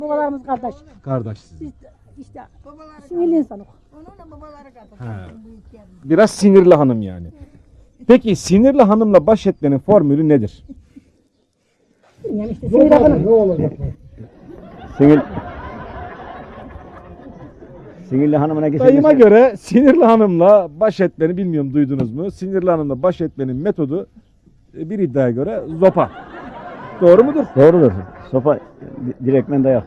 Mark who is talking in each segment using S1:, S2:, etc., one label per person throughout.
S1: Babalarımız kardeş.
S2: Kardeş sizin.
S1: Biz işte sinirli insanız.
S3: Onunla babaları kadar.
S2: Ha. Biraz sinirli hanım yani. Peki sinirli hanımla baş etmenin formülü nedir?
S1: Yani işte sinirli hanım.
S4: Ne olacak?
S5: Sinirli hanımına geçelim.
S2: Dayıma göre sinirli hanımla baş etmeni bilmiyorum duydunuz mu? Sinirli hanımla baş etmenin metodu bir iddiaya göre zopa. Doğru mudur?
S5: Doğrudur. Sopa direktmen dayak.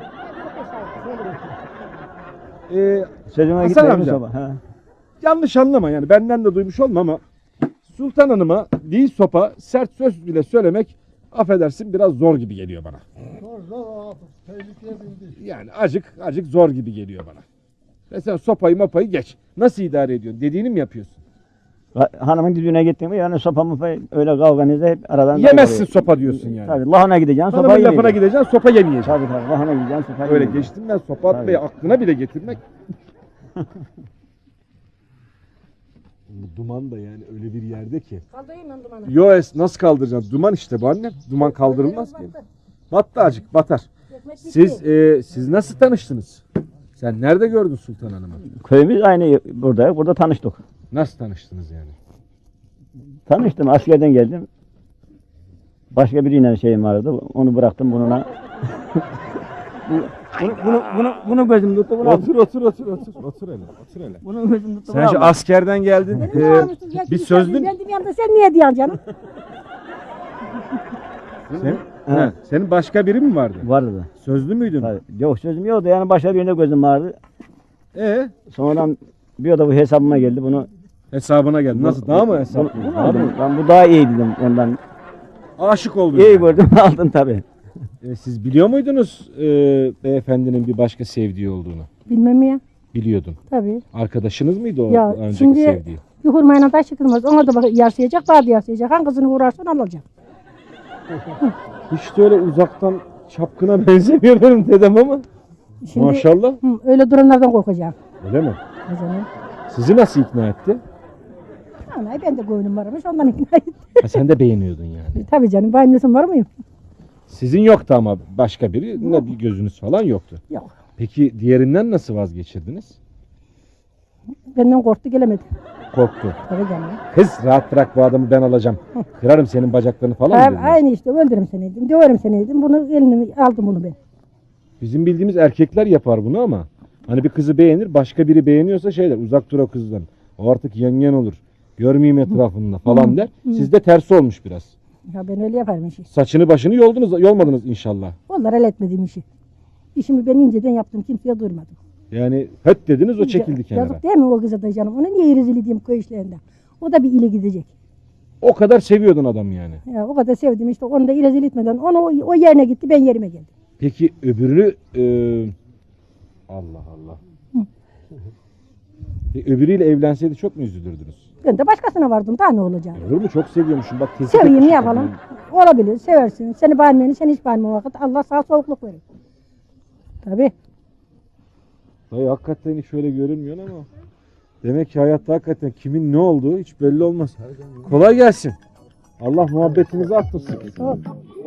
S5: Sözüme
S2: Hasan
S5: gitmeyin
S2: amca.
S5: sopa. Ha.
S2: Yanlış anlama yani benden de duymuş olma ama Sultan Hanım'a değil sopa sert söz bile söylemek affedersin biraz zor gibi geliyor bana.
S4: Zor abi. Tehlikeye bindi.
S2: Yani acık zor gibi geliyor bana. Mesela sopayı mopayı geç. Nasıl idare ediyorsun? Dediğini mi yapıyorsun?
S5: Hanımın düdüğüne gittin mi yani sopa mopayı öyle kavganızda hep aradan...
S2: Yemezsin sopa diyorsun yani.
S5: Tabii lahana gideceksin sopa
S2: Hanımın lafına
S5: yemeyeceksin.
S2: gideceksin sopa yemeyeceksin.
S5: Tabii lahana gideceksin sopa
S2: Öyle
S5: yemeyeceksin.
S2: geçtim ben sopa atmayı aklına bile getirmek. Bu duman da yani öyle bir yerde ki.
S1: Kaldırayım ben dumanı.
S2: Yoes nasıl kaldıracaksın? Duman işte bu annem. Duman kaldırılmaz ki. Battı acık batar. Siz nasıl tanıştınız? Sen nerede gördün Sultan Hanım'ı?
S5: Köyümüz aynı burada tanıştık.
S2: Nasıl tanıştınız yani?
S5: Tanıştım askerden geldim. Başka biriyle şeyim vardı. Onu bıraktım bununla. bunu gözüm tuttu.
S2: Otur hele.
S5: Bunu gözüm tuttu.
S2: Sen şu askerden geldin. Bir sözlü
S1: Ben de bir anda sen niye diyorsun canım?
S2: Senin başka biri mi vardı?
S5: Vardı.
S2: Sözlü müydün?
S5: Tabii. Yok sözüm yoktu yani başka birine gözüm vardı. Sonradan bir oda bu hesabıma geldi bunu.
S2: Hesabına geldi. Nasıl? Daha mı hesap?
S5: Ben bu daha iyi dedim ondan.
S2: Aşık oldun.
S5: İyi
S2: yani.
S5: gördüm aldım tabii.
S2: Siz biliyor muydunuz beyefendinin bir başka sevdiği olduğunu?
S1: Bilmem ya.
S2: Biliyordun.
S1: Tabii.
S2: Arkadaşınız mıydı o
S1: Ya
S2: önceki
S1: şimdi
S2: sevdiği?
S1: yuhurmayla taş çıkılmaz. Ona da yarsayacak, bağda yarsayacak. Hangisini uğrarsan alacak.
S2: Hiç de öyle uzaktan çapkına benzemiyor benim dedem ama.
S1: Şimdi,
S2: Maşallah.
S1: öyle duranlardan korkacağım.
S2: Öyle mi?
S1: O zaman.
S2: Sizi nasıl ikna etti?
S1: Anay ben de koyunum varmış ondan ikna ettim.
S2: Ha, sen de beğeniyordun yani.
S1: Tabii canım. Benim nesim var mıyım?
S2: Sizin yoktu ama başka biri ne bir gözünüz falan yoktu.
S1: Yok.
S2: Peki diğerinden nasıl vazgeçirdiniz?
S1: Benden korktu gelemedi.
S2: Korktu.
S1: Tabii canım.
S2: Kız rahat bırak bu adamı ben alacağım. Kırarım senin bacaklarını falan mı dediniz?
S1: Aynı işte öldürürüm seni dedim. Döverim seni dedim. Bunu elini aldım bunu ben.
S2: Bizim bildiğimiz erkekler yapar bunu ama hani bir kızı beğenir başka biri beğeniyorsa şeyler uzak dur o kızdan. O artık yengen olur. Görmeyeyim etrafında falan der. Sizde tersi olmuş biraz.
S1: Ya ben öyle yaparım işi.
S2: Saçını başını yolmadınız inşallah.
S1: Onlar el etmediğim işi. İşimi ben inceden yaptım. Kimseye duyurmadım.
S2: Yani höt dediniz o çekildi kenara.
S1: Yazık değil mi o kıza da canım? Ona niye rezil edeyim köy işlerinde? O da bir ile gidecek.
S2: O kadar seviyordun adamı yani.
S1: Ya o kadar sevdim işte onu da rezil etmeden onu o yerine gitti ben yerime geldim.
S2: Peki öbürünü Allah Allah. Öbürüyle evlenseydi çok mu üzülürdünüz?
S1: Ben de başkasına vardım daha ne olacak?
S2: Olur mu? Çok seviyormuşum. Bak tespit
S1: Seveyim ne
S2: etmişim
S1: yapalım?
S2: kadını.
S1: Olabilir seversin. Seni beğenmeyeni sen hiç beğenme vakit. Allah sağ soğukluk verir. Tabii.
S2: Dayı hakikaten hiç öyle görünmüyor ama. Demek ki hayatta hakikaten kimin ne olduğu hiç belli olmaz. Kolay gelsin. Allah muhabbetinizi arttırsın.
S1: Sağ ol.